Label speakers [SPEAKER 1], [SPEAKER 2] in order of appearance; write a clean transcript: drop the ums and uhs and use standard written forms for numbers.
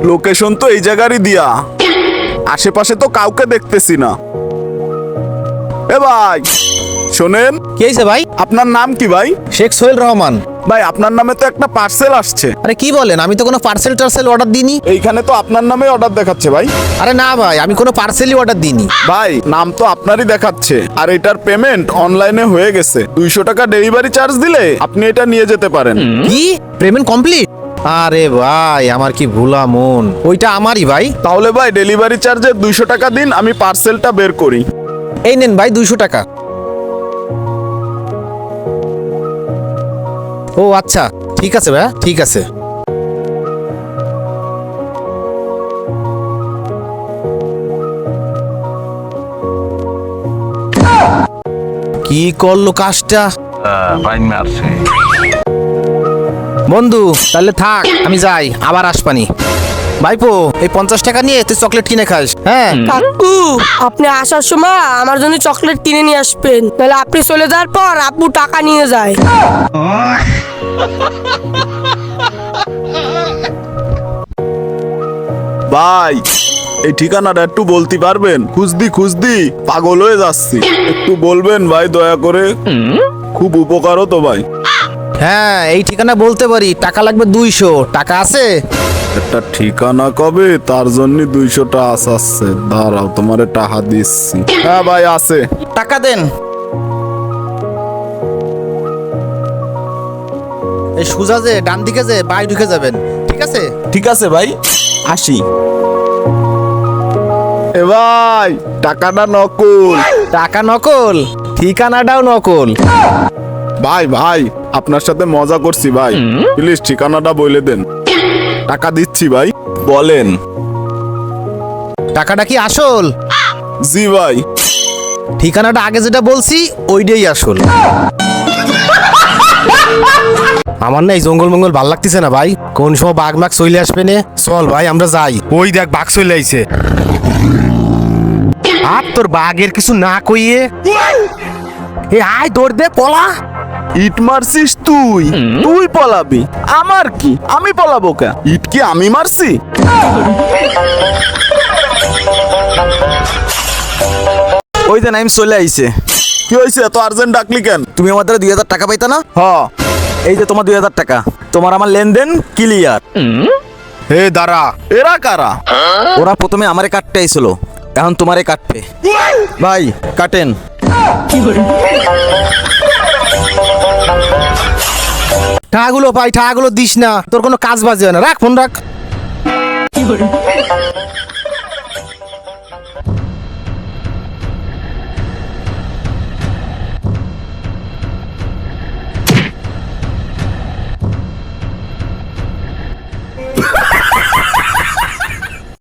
[SPEAKER 1] Location তো এই জায়গারই দিয়া, আশেপাশে তো কাউকে দেখতেছি না। এ ভাই শোনেন,
[SPEAKER 2] কি হয়েছে ভাই?
[SPEAKER 1] আপনার নাম কি ভাই?
[SPEAKER 2] শেখ সোহেল রহমান।
[SPEAKER 1] ভাই আপনার নামে তো একটা পার্সেল আসছে।
[SPEAKER 2] আরে কি বলেন, আমি তো কোনো পার্সেল টার্সেল অর্ডার দিইনি।
[SPEAKER 1] এইখানে তো আপনার নামে অর্ডার দেখাচ্ছে ভাই।
[SPEAKER 2] আরে না ভাই, আমি কোনো পার্সেলই অর্ডার দিইনি।
[SPEAKER 1] ভাই নাম তো আপনারই দেখাচ্ছে, আর এটার পেমেন্ট অনলাইনে হয়ে গেছে। 200 টাকা ডেলিভারি চার্জ দিলে আপনি এটা নিয়ে যেতে পারেন।
[SPEAKER 2] কি পেমেন্ট কমপ্লিট? আরে ভাই আমার কি ভুলা মন, ওইটা আমারই ভাই।
[SPEAKER 1] তাহলে ভাই ডেলিভারি চার্জের 200 টাকা দিন, আমি পার্সেলটা বের করি।
[SPEAKER 2] এই নেন ভাই 200 টাকা। ও আচ্ছা ঠিক আছে ভাই, ঠিক আছে। কি করলো কাজটা বন্ধু? তাহলে থাক, আমি যাই, আবার আসপানি। ভাইপো এই 50 টাকা নিয়ে তুই চকলেট কিনে খাস। হ্যাঁ
[SPEAKER 3] কাকু, আপনি আসার সময় আমার জন্য চকলেট কিনে নিয়ে আসবেন, তাহলে আপনি চলে যাওয়ার পর আব্বু টাকা নিয়ে যায়।
[SPEAKER 1] ভাই এই ঠিকানাটা একটু বলতে পারবেন? খুঁজদি পাগল হয়ে যাচ্ছি, একটু বলবেন ভাই দয়া করে, খুব উপকার হতো ভাই।
[SPEAKER 2] হ্যাঁ এই ঠিকানা বলতে পারি, টাকা লাগবে 200 টাকা আছে?
[SPEAKER 1] একটা ঠিকানা কবে, তার জন্য 200টা আসছে। দাঁড়াও তোমারে টাকা দিচ্ছি। হ্যাঁ ভাই আছে।
[SPEAKER 2] টাকা দেন। এই সুজা যে ডান দিকে যে বাই ঢুকে যাবেন, ঠিক আছে?
[SPEAKER 1] ঠিক আছে ভাই, আসি। এ ভাই টাকাটা নকল।
[SPEAKER 2] টাকা নকল, ঠিকানাটাও নকল।
[SPEAKER 1] ভাই আপনার সাথে মজা করছি ভাই, প্লিজ ঠিকানাটা বলে দেন। টাকা দিচ্ছি ভাই, বলেন।
[SPEAKER 2] টাকাটা কি আসল?
[SPEAKER 1] জি ভাই।
[SPEAKER 2] ঠিকানাটা আগে যেটা বলছি ওইটাই আসল। আমার না এই জঙ্গল মঙ্গল ভাল লাগতেছে না ভাই, কোন সময় বাঘ মাঘ চলে আসবে নে। চল ভাই আমরা যাই। ওই দেখ বাঘ চলে আইছে। আর তোর বাঘের কিছু না কইয়ে এ আয় দৌড় দে, পলা।
[SPEAKER 1] ইট মারছিস তুই? তুই পলাবি? আমার কি, আমি পলাবো কে? ইট কি আমি মারছি?
[SPEAKER 4] ওই যে নাইম চলে আইছে।
[SPEAKER 1] কি হয়েছে, এত আর্জেন্ট ডাকলি কেন?
[SPEAKER 4] তুমি আমার দ্বারা 2000 টাকা পাইতা না?
[SPEAKER 1] হ।
[SPEAKER 4] এই যে তোমার 2000 টাকা, তোমার আমার লেনদেন ক্লিয়ার।
[SPEAKER 1] হে দাঁড়া, এরা কারা?
[SPEAKER 4] ওরা প্রথমে আমারে কাটতে আইছিল, এখন তোমারে কাটবে। ভাই কাটেন।
[SPEAKER 2] টাকাগুলো পাই, টাকাগুলো দিস না, তোর কোনো কাজ বাজে না, রাখ ফোন রাখ।